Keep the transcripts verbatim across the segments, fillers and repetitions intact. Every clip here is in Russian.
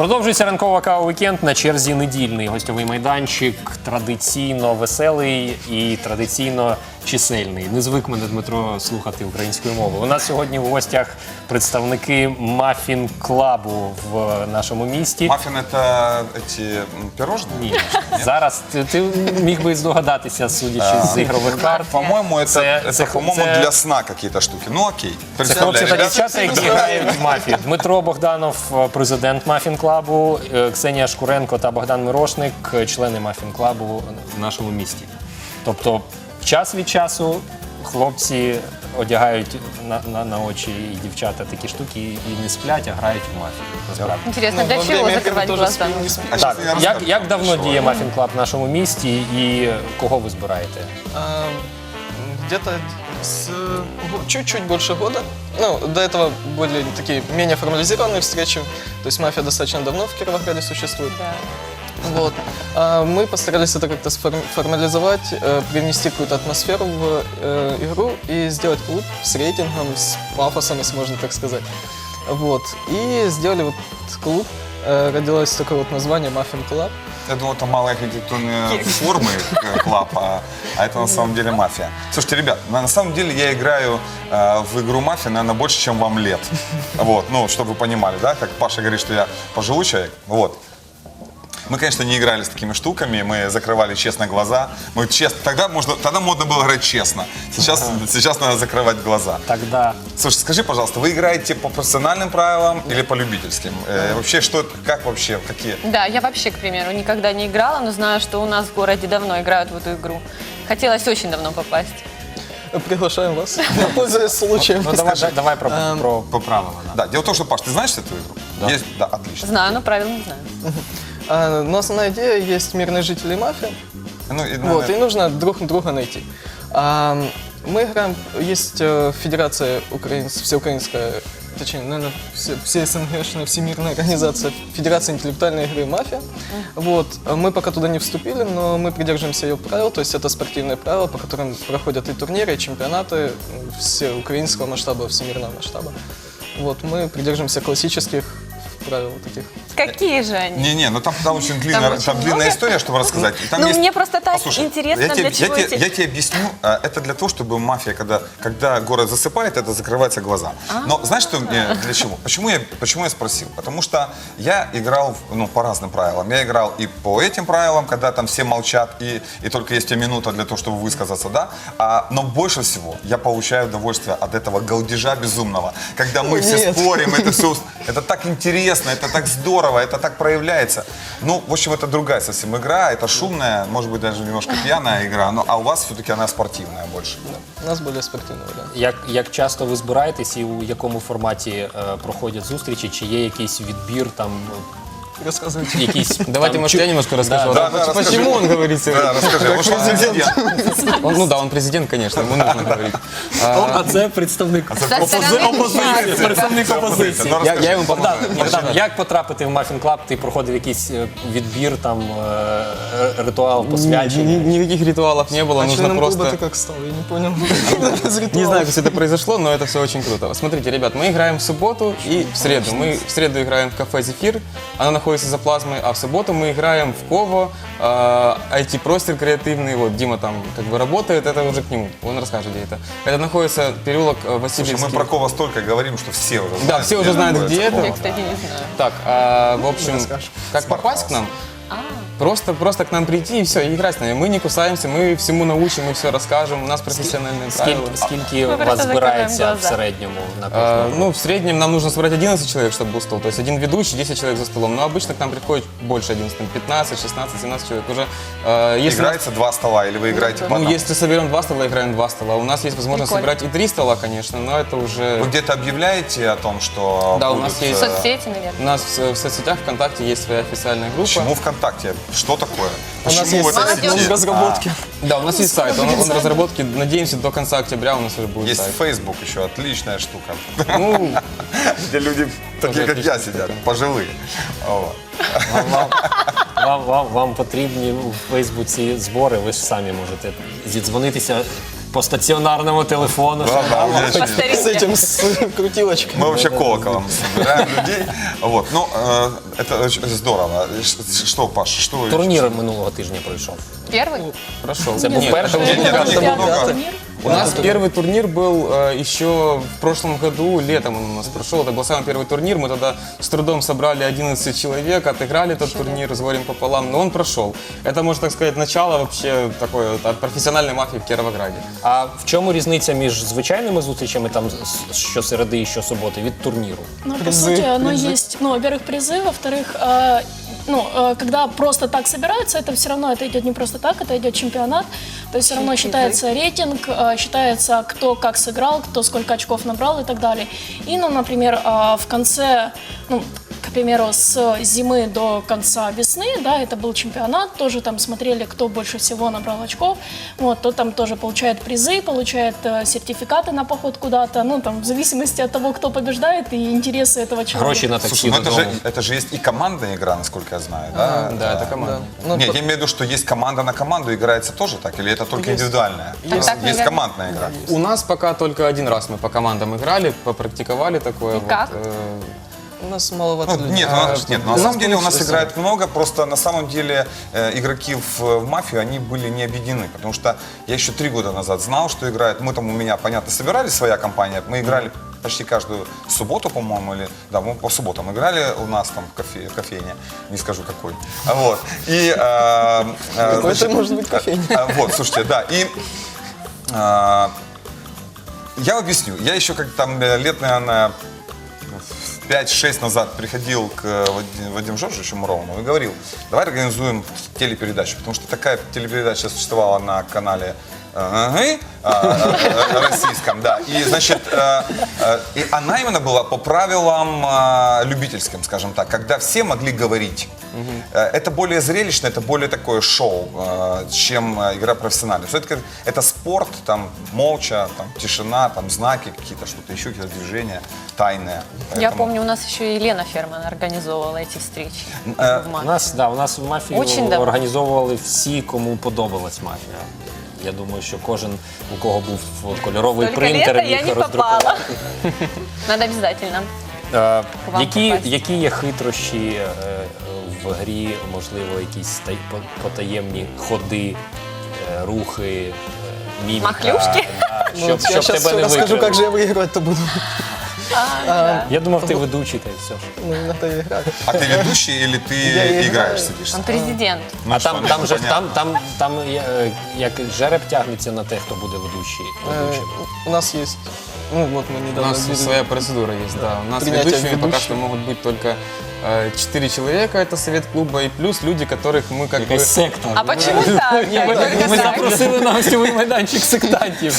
Продовжується ранкова кава-вікенд, на черзі недільний гостьовий майданчик, традиційно веселий і традиційно чисельний. Не звик мене, Дмитро, слухати українською мовою. У нас сьогодні в гостях представники мафін-клабу в нашому місті. Маффин – это эти пирожные? Ні. Зараз ти, ти міг би здогадатися, судячи з ігрових карт. По-моему, это, Це- это, це- по-моему, це- для сна какие-то штуки. Ну окей. Це хлопці та дівчата, які грають в мафі. Дмитро Богданов, президент мафін-клабу, е, Ксенія Шкуренко та Богдан Мирошник, члени мафін-клабу в нашому місті. Тобто час від часу хлопці одягають на, на, на очі і дівчата такі штуки і не сплять, а грають в мафію. Насправді. Интересно, для во чего время закрывать тоже глаза? спим, не спим. А Так, щас я як, розкажу. як давно Що? діє мафін-клаб в нашому місті і кого ви збираєте? А, Где-то с го- чуть-чуть больше года. Ну, до этого были такие менее формализированные встречи. То есть мафия достаточно давно в Кировограде существует. Да. Вот. А мы постарались это как-то сформ- формализовать, э, привнести какую-то атмосферу в э, игру и сделать клуб с рейтингом, с пафосом, если можно так сказать. Вот. И сделали вот клуб. Э, родилось такое вот название Маффин Клаб. Я думал, это малые архитектурные формы э, клаб, а, а это на самом деле мафия. Слушайте, ребят, на, на самом деле я играю э, в игру мафия, наверное, больше, чем вам лет. Вот, ну, чтобы вы понимали, да, как Паша говорит, что я пожилой человек. Вот. Мы, конечно, не играли с такими штуками, мы закрывали честно глаза. Мы честно, тогда, можно, тогда модно было играть честно. Сейчас, сейчас надо закрывать глаза. Тогда Слушай, скажи, пожалуйста, вы играете по профессиональным правилам или по любительским? Э, вообще, что это, как вообще, какие? Да, я вообще, к примеру, никогда не играла, но знаю, что у нас в городе давно играют в эту игру. Хотелось очень давно попасть. Приглашаем вас, пользуясь случаем. ну, давай, давай про, Ем, про, по правилам. Да. Да, дело в том, что, Паш, ты знаешь эту игру? Да. Есть? Да, отлично. Знаю, но правил не знаю. А, Но основная идея есть мирные жители мафии. Ну, и, Вот, и наверное, нужно друг друга найти. А, Мы играем, есть э, Федерация украинс, всеукраинская, точнее, наверное, все, все СНГшная всемирная организация Федерация интеллектуальной игры «Мафия». Вот, мы пока туда не вступили, но мы придерживаемся ее правил, то есть это спортивные правила, по которым проходят и турниры, и чемпионаты э, все украинского масштаба, всемирного масштаба. Вот, мы придерживаемся классических правил таких. Какие же они? Не-не, ну там, там очень длинная, очень там длинная много? история, чтобы рассказать. И там Ну, есть- мне просто так Послушай, интересно, я тебе, для я чего тебе- эти- я тебе объясню, а, это для того, чтобы мафия, когда, когда город засыпает, это закрываются глаза. Но знаешь, что мне, для чего? Почему я, почему я спросил? Потому что я играл в- ну, по разным правилам. Я играл и по этим правилам, когда там все молчат, и, и только есть у тебя минута для того, чтобы высказаться, да? А, но больше всего я получаю удовольствие от этого галдежа безумного, когда мы Ой, все нет. спорим, это все, это так интересно, это так здорово, это так проявляется. Ну, в общем, это другая совсем игра, это шумная, может быть, даже немножко пьяная игра, но, а у вас все-таки она спортивная больше. У нас более спортивный вариант. Як, як часто ви збираєтесь і у якому форматі е, проходять зустрічі? Чи є якийсь відбір, там, Рассказывайте. якісь... Давайте, там, может, я немножко расскажу. Да, да, расскажи. Почему он говорит сегодня? Да, расскажи, Как может, он президент. президент? Он- ну да, он президент, конечно, ему нужно говорить. А, А це представник Со стороны опозиції. Представник опозиції. Ну, я, расскажи. я ему Богдан, помогаю. Богдан, як потрапити в Мафін Клаб? Ти проходив якийсь е, відбір, там, е, ритуал Ни- посвячення? ни- Никаких ритуалов не было, А нужно членом клуба просто... ты как стал? Я не понял. Без Не ритуалов. знаю, как это произошло, но это все очень круто. Смотрите, ребят, мы играем в субботу и в среду. Мы в среду играем в кафе «Зефир», оно находится за плазмой, а в субботу мы играем в Ково, э, ай ти-простер креативный, вот Дима там как бы работает, это уже к нему, он расскажет, где это. Это находится переулок э, Слушай, Васильевский. мы про Кова столько говорим, что все уже знают. Да, все уже знают, находится где Кова. Я, кстати, не знаю. Так, а, в общем, Расскажешь. как попасть к нам? Просто, просто к нам прийти и все, и играть с нами. Мы не кусаемся, мы всему научим, мы все расскажем. У нас профессиональные правила. Скільки, скільки Ми у вас просто збирається закриваємо в глаза. середньому на А, кожного? ну, в среднем нам нужно собрать одиннадцать человек, чтобы был стол. То есть один ведущий, десять человек за столом. Но обычно к нам приходит больше одиннадцати, пятнадцать, шестнадцать, семнадцать человек. Уже, э, если, Играется два стола или вы играете по ну, одному? если соберем два стола, играем два стола. У нас есть возможность Прикольно. собирать и три стола, конечно, но это уже... Вы где-то объявляете о том, что Да, у будут, нас есть- э, Соцсети, наверное. У нас в, в соцсетях ВКонтакте есть своя официальная группа. Почему ВКонтакте? Что такое? У нас Почему есть в этой сайт, он сети? в разработке. Да, у нас есть сайт, он, он в разработке. Надеемся, до конца октября у нас уже будет Есть сайт. Facebook еще, отличная штука. Ну, Где люди такие, как я, отличная сидят, штука. пожилые. Вот. Вам, вам, вам, вам, вам потрібні у Фейсбуці збори, ви ж самі можете зідзвонитися по стаціонарному телефону. Да, да, у меня По через- С старинке. этим, с крутилочкой. Мы вообще колоколом собираем людей. Вот, ну, э, это очень здорово. Ш- Что, Паша, что вы- Турнір минулого тижня пройшов. Первый? Прошел. Це був перший. Нет, нет, Там нет, много. много. У нас первый турнир был э, еще в прошлом году, летом он у нас прошел. Это был самый первый турнир. Мы тогда с трудом собрали одиннадцать человек, отыграли этот турнир с горем пополам, но он прошел. Это, можно так сказать, начало вообще такое вот от профессиональной мафии в Кировограде. А в чому різниця між звичайними зустрічами там з- щосереди і щосуботи від турніру? Ну, по Призы, сути, оно призы. есть, ну, во-первых, призы, во-вторых, э, ну, э, когда просто так собираются, это все равно, это идет не просто так, это идет чемпионат, то есть все равно Призы. считается рейтинг, э, считается, кто как сыграл, кто сколько очков набрал и так далее. И, ну, например, э, в конце, ну, к примеру, с зимы до конца весны, да, это был чемпионат, тоже там смотрели, кто больше всего набрал очков, вот, то там тоже получает призы, получает э, сертификаты на поход куда-то, ну, там, в зависимости от того, кто побеждает и интересы этого человека. Гроші на таксі Слушай, ну это же, додому. это же есть и командная игра, насколько я знаю, да? Да, это команда. Ну, Нет, по- я имею в виду, что есть команда на команду, играется тоже так, или это только Есть. индивидуальная? Так, есть наверное. командная игра. У нас пока только один раз мы по командам играли, попрактиковали такое. И вот, как? э, У нас маловато Ну, людей. нет, А, ну, нет, ну, на у самом нас деле у нас получилось, играет много, просто на самом деле э, игроки в, в мафию, они были не объединены, потому что я еще три года назад знал, что играют, мы там у меня, понятно, собирали своя компания, мы играли почти каждую субботу, по-моему, или, да, мы по субботам играли у нас там в кофе, кофейне, не скажу какой, вот, и, э, э, Какой это может быть кофейня? э, э, вот, слушайте, да, и э, я объясню, я еще как там э, лет, наверное, пять-шесть назад приходил к Вадиму, Вадиму Жоржевичу Муровому и говорил, давай организуем телепередачу, потому что такая телепередача существовала на канале э, э, российском, да, и, значит, э, э, и она именно была по правилам э, любительским, скажем так, когда все могли говорить. Э, Это более зрелищно, это более такое шоу, э, чем э, игра профессиональная. Все-таки это спорт, там молча, там тишина, там знаки какие-то, что-то еще, какие-то движения тайные. Я Поэтому- помню, у нас еще и Лена Ферман организовывала эти встречи. Э, в У мафии. нас, да, у нас в мафії Очень давно. організовували всі, кому подобалась мафія. Я думаю, що кожен, у кого був кольоровий Только принтер, лето я міг не роздрукувати. попала. Надо обязательно. Е, вам Які, попасть. які є хитрощі е, в грі, можливо, якісь тай- по- потаємні ходи, е, рухи, е, міміка? Махлюшки? Да, Ну, щоб, вот я щоб сейчас тебе не расскажу, викрили. как же я выигрывать-то буду. Я думав, ти ведучий, та й все ж. Ну, на и играть. А ты ведущий или ты Я играю. играешь, садишься? Он президент. Ну, А что, там, ну, там же понятно. там, там, там е, як жереб тягнеться на те, хто буде ведучий. Э, ведучим. У нас есть, ну вот мы У недавно нас видели. своя процедура есть, да. У нас Принятие ведущими пока ведущих. что могут быть только э, четыре человека, это совет клуба, и плюс люди, которых мы как бы... Якась секта. А почему так? Ми, Только ми так. запросили на гостєвий майданчик сектантів.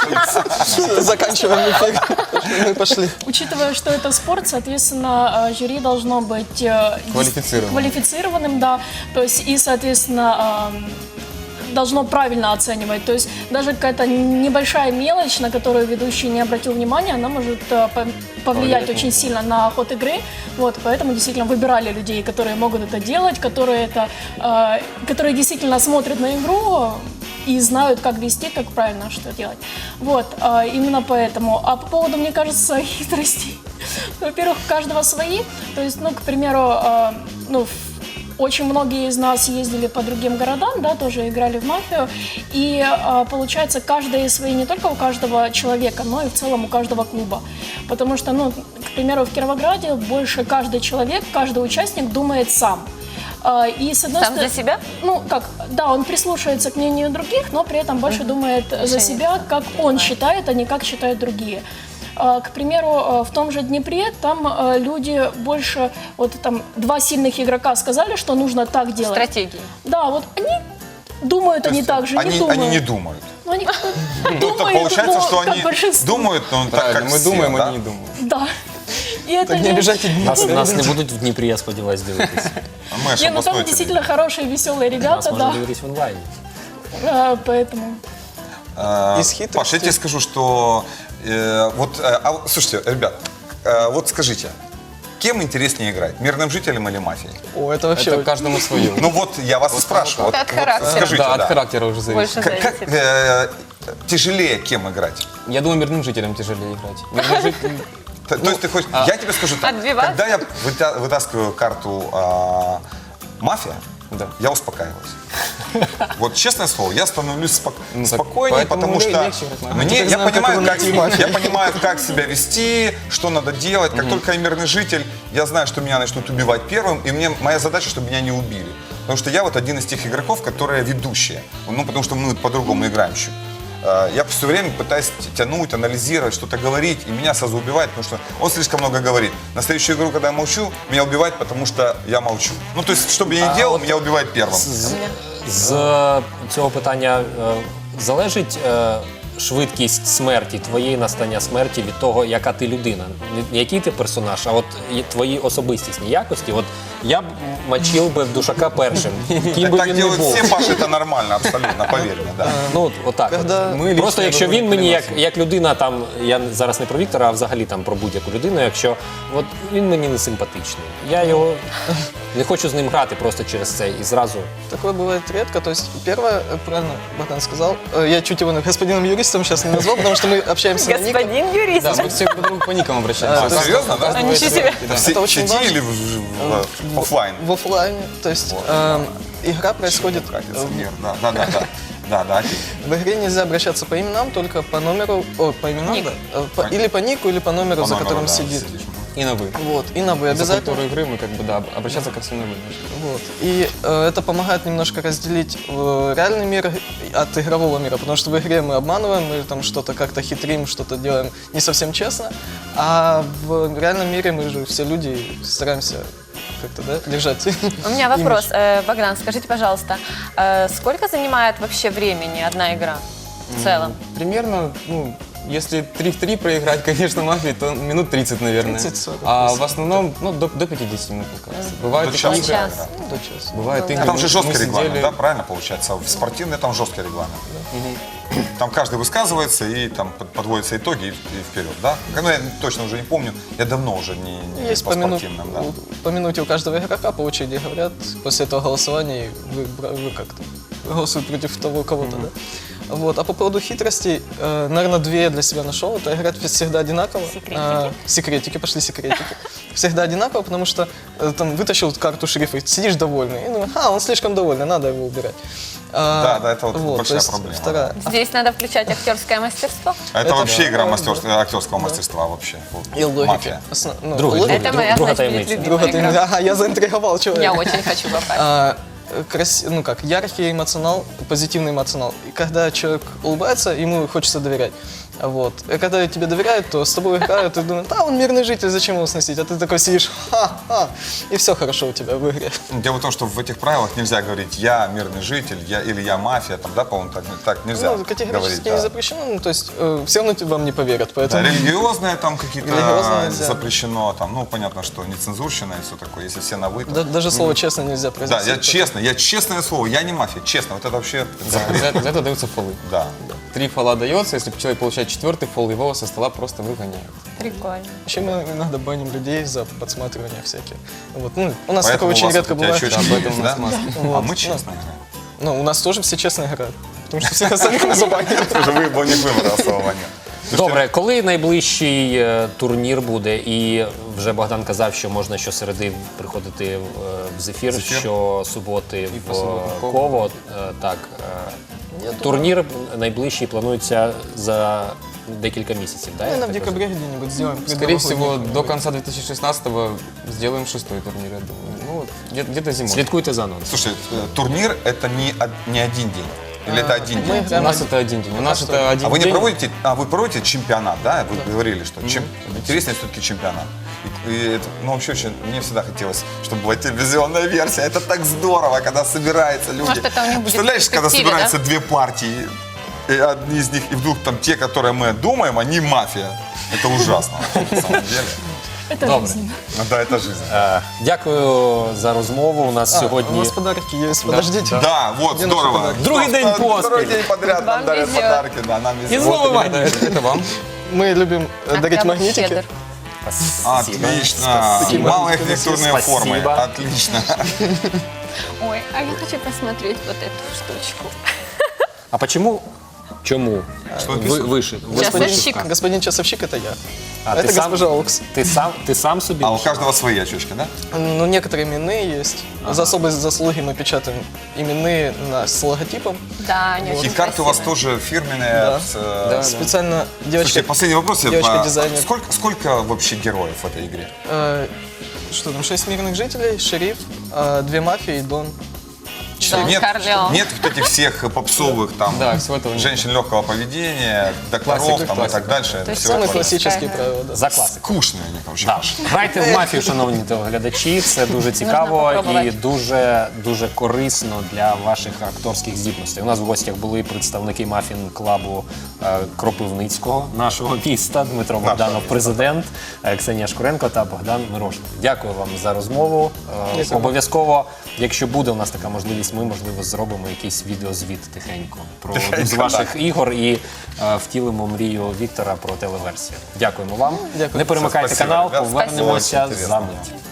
Заканчиваем эфир. Мы пошли. Учитывая, что это спорт, соответственно, э, жюри должно быть э, дис- Квалифицированным. квалифицированным, да. То есть и, соответственно, эм, должно правильно оценивать. То есть даже какая-то небольшая мелочь, на которую ведущий не обратил внимания, она может э, по- повлиять очень сильно на ход игры. Вот, поэтому действительно выбирали людей, которые могут это делать, которые это, э, которые действительно смотрят на игру и знают, как вести, как правильно что делать. Вот, э, именно поэтому. А по поводу, мне кажется, хитростей. Во-первых, у каждого свои. То есть, ну, к примеру, э, ну, в- очень многие из нас ездили по другим городам, да, тоже играли в мафию. И э, получается, каждые свои, не только у каждого человека, но и в целом у каждого клуба. Потому что, ну, к примеру, в Кировограде больше каждый человек, каждый участник думает сам. Э, И с одной Сам стороны- за себя? Ну, как, да, он прислушивается к мнению других, но при этом больше думает за Решение себя, как он считает, а не как считают другие. А, К примеру, э, в том же Днепре там э, люди больше, вот там два сильных игрока сказали, что нужно так делать. Стратегии. Да, вот они думают, они так же, Они, не думают. они не думают. Ну, они как бы Ну, то думают, получается, но что как они большинство. думают, но так Правильно, как мы все, думаем, да? они не думают. Да. И это Так не не- обижайте Нас, Дмитрия. нас не будуть в Дніпрі, я сподіваюся, дивитися. А мы аж Не, ну там областной действительно хорошие, веселые ребята, Нас можна да. дивитися в онлайні. Э, Поэтому... А, Из хитрости. Паш, я тебе скажу, что э, вот, э, а вот, слушайте, ребят, э, вот скажите, кем интереснее играть? Мирным жителем или мафией? О, это вообще... Это каждому свое. Ну вот, я вас и спрашиваю. Это от характера. Скажите, Да, да. от характера уже зависит. Больше Как, как, зависит. э, тяжелее кем играть? Я думаю, мирным жителям тяжелее играть. Мирным жителям- Т- То есть ты хочешь... Я тебе скажу так. Отбиваться? Когда я выта- вытаскиваю карту а, мафия, Да. я успокаиваюсь. Вот честное слово, я становлюсь спок- Ну, так спокойнее, поэтому потому ле- что легче играть мафию. мне, теперь я, знаю, как понимаю, его как, найти, мафию. я понимаю, как себя вести, что надо делать. Как только я мирный житель, я знаю, что меня начнут убивать первым, и мне моя задача, чтобы меня не убили. Потому что я вот один из тех игроков, которые ведущие. Ну, потому что мы по-другому играем чуть. Э, Я все время пытаюсь т- тянуть, анализировать, что-то говорить, и меня сразу убивает, потому что он слишком много говорит. На следующую игру, когда я молчу, меня убивает, потому что я молчу. Ну, то есть, что бы я ни делал, меня убивает первым. З, з цього питання е, залежить е, швидкість смерті, твоєї настання смерті від того, яка ти людина. Не який ти персонаж, а от і твої особистісні якості. От я б мочив би в душака першим, ким би Так він не делают був. все, Паша, это нормально, абсолютно, поверь мне, да. Ну, от, отак. Когда от. ми Просто лічно якщо робимо він мені, як, кульмінацію. як людина, там, я зараз не про Віктора, а взагалі там про будь-яку людину, якщо от він мені не симпатичний, я його не хочу з ним грати просто через це і зразу. Такое бывает редко. То есть, первое, э, правильно Богдан сказал, э, я чуть его господином юристом сейчас не назвал, потому что мы общаемся на никах. Господин юрист. Да, мы все друг к другу по никам обращаемся. А, У каждого- серьезно, да? у каждого А, есть ничего свой- себе. да. Все Это очень в сети важно. или в, в- в оффлайн? В оффлайне. То есть, эм, игра происходит... Братец, э, мир, да, да, да, да. Да, да, окей. В игре нельзя обращаться по именам, только по номеру, о, по именам, Ник. да, Э, по- или по нику, или по номеру, По за номеру, которым да, сидит. сидишь. И на вы. Вот, и на вы За обязательно. культуру игры мы как бы, да, обращаться ко всем на вы. Вот. И э, это помогает немножко разделить э, реальный мир от игрового мира, потому что в игре мы обманываем, мы там что-то как-то хитрим, что-то делаем не совсем честно, а в реальном мире мы же все люди и стараемся как-то, да, держать. У меня вопрос. Э, Богдан, скажите, пожалуйста, э, сколько занимает вообще времени одна игра в целом? Примерно, ну, если три в три проиграть, конечно, мафии, то минут тридцать, наверное. тридцать-сорок. А в основном, ну, до, до пятидесяти минут, мне кажется. Бывают До такие часа. игры, Час. До часа. бывают игры, Ну, там же мы жесткий сидели- регламент, да, правильно получается? В спортивный там жесткий регламент. Там каждый высказывается и там под- подводятся итоги и, и вперед, да? Ну, я точно уже не помню, я давно уже не, не Есть по по, мину- спортивным, да. у- по минуте у каждого игрока по очереди говорят, после этого голосования вы, бра- вы как-то голосуете против того кого-то, да? Вот. А по поводу хитростей, э, наверное, две я для себя нашел. Это играть всегда одинаково. Секретики. А, секретики, пошли секретики. Всегда одинаково, потому что э, там вытащил карту шерифа, и сидишь довольный. И думаешь, а, он слишком довольный, надо его убирать. А, Да, да, это вот то большая есть проблема, Вторая. Здесь надо включать актерское мастерство. А это, это вообще да, игра да, мастерства, актерского мастерства вообще. Вот, И логики. Мафия. Основ- ну, Другой, логика. Это друг- моя, друга значит, будет таємниця. любимая Друга, ты- игра. Ага, я заинтриговал человека. Я очень хочу попасть. А, крас- ну как, яркий эмоционал, позитивный эмоционал. И когда человек улыбается, ему хочется доверять. Вот. И когда тебе доверяют, то с тобой играют, и думают, а он мирный житель, зачем его сносить? А ты такой сидишь, ха-ха, и все хорошо у тебя в игре. Дело в том, что в этих правилах нельзя говорить «я мирный житель», я, или «я мафия», там, да, по-моему, так, так нельзя Ну, категорически говорить. не Да. запрещено, ну, то есть э, все равно тебе- вам не поверят, Да, поэтому... религиозное там какие-то Религиозное нельзя. запрещено, там, ну, понятно, что нецензурщина и все такое, если все на «вы», то- Да- даже слово честно нельзя Да, произносить. я честно, я честное слово, я не мафия, честно, вот это вообще... За, за- за это даются фолы. Да. Три фола дается, если человек получает четвертый фол, его со стола просто выгоняют. Прикольно. Еще мы иногда баним людей за подсматривание всякие. Вот. Ну, у нас Поэтому такое у очень вас редко вот эти бывает. очечки Об этом есть, у нас да? маски. А Вот. мы честно играем. Ну, у нас тоже все честно играют. Потому что все остальные мы забанили. Слушай, вы бы не выбора особого нет. Добре, коли найближчий е, турнір буде? І вже Богдан казав, що можна щосереди приходити в, е, в зефір, Зефір. щосуботи в по суботам в Ково. Ково. Е, Так, е, турнір найближчий планується за декілька місяців, так? Наверное, в декабре где-нибудь сделаем. Скорее всего, предновогодний до конца две тысячи шестнадцатого сделаем шестой турнир, я думаю. Ну, вот, где- где-то зимой. Слідкуйте за анонсом. Слушай, э, турнир это не, од- не один день. Или это один Мы день? У играем нас это один день. У нас это один А вы не день. проводите, а вы проводите чемпионат, да? Вы говорили, что чем интереснее все-таки чемпионат. И, и это, ну, вообще очень, мне всегда хотелось, чтобы была телевизионная версия. Это так здорово, когда собираются люди. Может, это у них будет Представляешь, в когда перспективе, собираются две партии, и одни из них, и вдруг там те, которые мы думаем, они мафия. Это ужасно, на самом деле. Это Добре. жизнь. Ну да, это жизнь. Е, Дякую за розмову. У нас А, у сьогодні нас подарки есть, подождите. Да, вот, Где наши здорово. подарки? Другий день Второй поспіль. день подряд нам Вам дарят везет. подарки, да, нам І везет. знову Это, магніт. это вам. Мы любим э, дарить Октябрь магнитики. щедр. Спасибо. Отлично. Спасибо. Малоархитектурные формы. Спасибо. Отлично. Ой, а я хочу посмотреть вот эту штучку. А почему? Чему? Что Вы, написано? выше. Часовщик. Господин часовщик это я. А, это ты сам- госпожа Окс. Ты сам, ты сам собі? А у каждого свои очечки, да? Ну, некоторые именные есть. За особые заслуги мы печатаем именные на, с логотипом. Да, они И очень карты у вас красивые. тоже фирменные. Да. с, э, Да. Специально Слушайте, девочка... последний вопрос. я девочка по- дизайнер. Сколько, сколько вообще героев в этой игре? э, что там, шесть мирных жителей, шериф, э, две мафии и Дон. Дон Нет, Корлеон. нет вот этих всех попсовых там Да, всего этого нет. женщин легкого поведения, докторов Классика, там, и так классика. дальше. То Это есть всё Самые такое. классические Да. правила, да. За класику. Скучные они, короче. Да. Грайте в мафію, шановні телеглядачі. Це дуже цікаво попробувати. і дуже дуже корисно для ваших акторських здібностей. У нас в гостях були представники мафін клабу е, Кропивницького, нашого міста, Дмитро Богданов, президент, е, Ксенія Шкуренко та Богдан Мирошник. Дякую вам за розмову. Е, Дякую. Обов'язково, якщо буде у нас така можливість, ми можливо зробимо якийсь відеозвіт тихенько про з ваших ігор і е, втілимо мрію Віктора про телеверсію. Дякуємо вам. Дякую. Не перемикайте Спасибо, канал, ребят. повернемося Спасибо. за мить.